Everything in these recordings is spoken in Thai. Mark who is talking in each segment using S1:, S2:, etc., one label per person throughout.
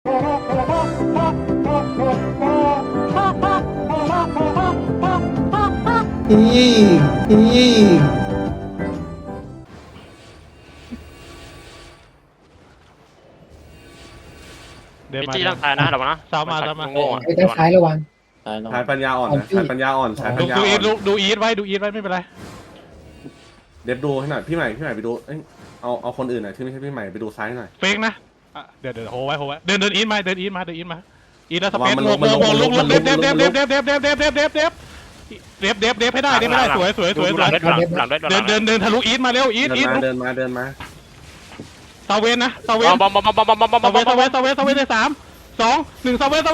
S1: อีอี
S2: เดิน
S3: พี่
S2: มา
S3: จี้ต้องตายนะระวังนะ
S2: สาวมาสาวมา
S3: โง่อะ
S1: ไอ้ด้านซ้ายระวัง
S4: ชายปัญญาอ่อนนะชายปัญญาอ่อนชายปั
S2: ดู
S4: ญญา
S2: ดู
S4: อ่
S2: อี
S4: อ
S2: ท
S4: น
S2: ดูอีทไว้ดูอีทไว้ไม่เป็นไร
S4: เด็บดูให้หน่อยพี่ใหม่ไปดูเอ้ยเอาคนอื่นหน่อยที่ไม่ใช่พี่ใหม่ไปดูซ้ายหน่อย
S2: เฟกนะเดี๋ยวโหไว้เดินอีทมาอีทแล้วสเปซ
S4: มัน
S2: โ
S4: ลงมันลง
S2: ลุก
S4: มันลง
S2: เดฟให้ได้สวย
S3: หลังด้วย
S2: เดินทะลุอีทมาเร็วอีท
S4: เดินมา
S2: เซเวนนะเซเวน
S3: บอมบอมบอมบอมบอมบอมบอม
S2: เซเวนใน3 2 1เซเวน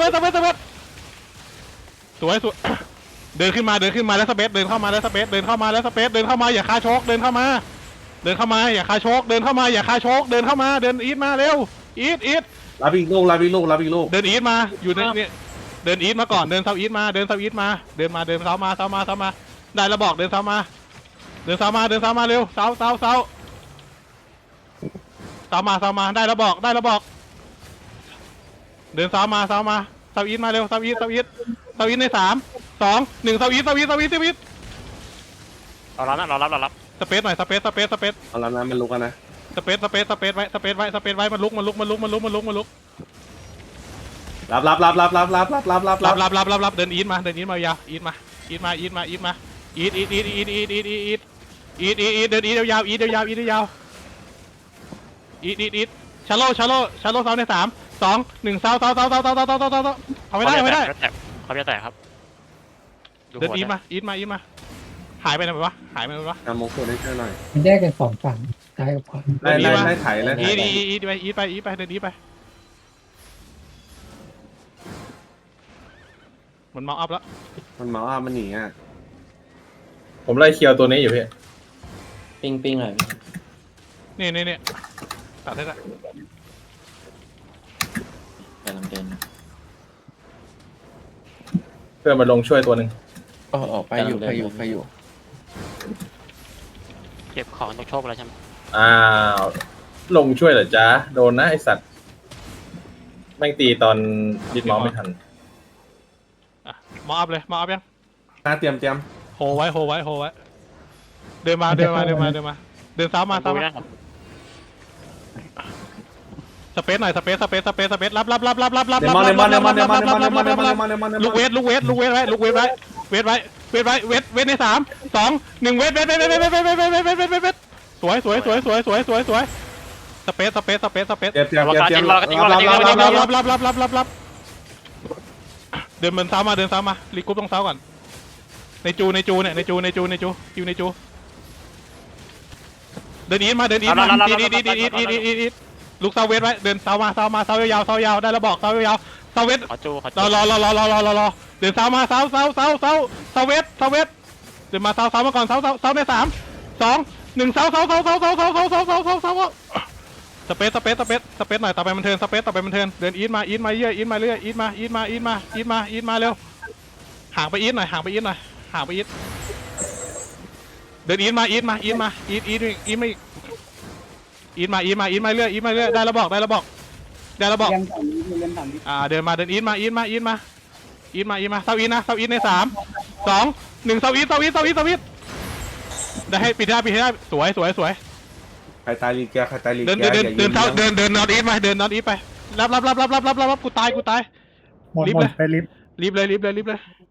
S2: สวยเดินขึ้นมาแล้วสเปซเดินเข้ามาแล้วสเปซเดินเข้ามาอย่าคาโชกเดินเข้ามาอย่าคาโชกเดินเข้ามาเดินอีทมาเร็วอีท
S4: รับอีกลูก
S2: เดินอีทมาอยู่ในเนี่ยเดินอีทมาก่อนเดินเซาอีทมาเดินเซามาได้แล้วบอกเดินเซามาเร็วเซามาได้แล้วบอกเดินเซามาเซาอีทมาเร็วเซาอีทใน3 2 1เซาอีท
S3: เรารับ
S2: สเปซหน่อยสเปซ
S4: เอาแล้วนะมันลุกกันนะ
S2: สเปซไว้มันลุกรับเดินอีทมายาวอีทมาอีทเดินอีทยาวชาโลเซาใน3 2 1เซาเอาไม่ได้
S3: เขาจะแตกครับ
S2: เดินอีทมาหายไปไหนวะ
S4: ทำมงคลให้เชื่อหน่อย
S1: มันแยกกัน2 ฝั่งซ้ายกับขวา
S4: ไล่ไถ
S2: อีทไปเดินอีทไปมันเมาอัพแล้ว
S4: มันเมาอ่ะมันหนีอ่ะ
S5: ผมไล่เคียวตัวนี้อยู่พี่
S4: ปิ้งหน่อย
S2: นี่ตัดได้ละ
S4: กำลังเดิน
S5: เพื่อนมาลงช่วยตัวหนึ่ง
S4: ไปอยู่
S3: เก็บของต้องโชคแล้วใช่ไหม
S5: อ้าวลงช่วยเหรอจ๊ะโดนนะไอสัตว์แม่งตีตอนดิดเมาส์ไม่ทัน
S2: เมาอัพเลยเมาอัพยัง
S4: เตรียม
S2: โฮไว้เดินเซ้ามาสเปซหน่อยสเปซรับลูกเวทใน3 2 1เวทสวยสเปซ
S4: เตรียม
S2: รับเดินเซ้ามารีกรุ๊ปต้องเซ้าก่อนในจูเดินอีทมาลูกเซาเวทไว้เดินเซาายาวได้แล้วบอกเซายาวเซาเวท
S3: ขอจู
S2: รอเดินเซามาเซาเวทเดินมาเซามาก่อนเซาใน3 2 1เซาสเปซหน่อยต่อไปมันเทิร์นเดินอีทมาเรื่อยอีทมาเร็วห่างไปอีทหน่อยเดินอีทมาเรื่อยได้แล้วบอกเดินอีทมาเซาอีทใน3 2 1เซาอีทได้ให้ปิดได้สวย
S4: ใครตายลีแก
S2: เดินนอตอีทไปรับกูตายรีบเลย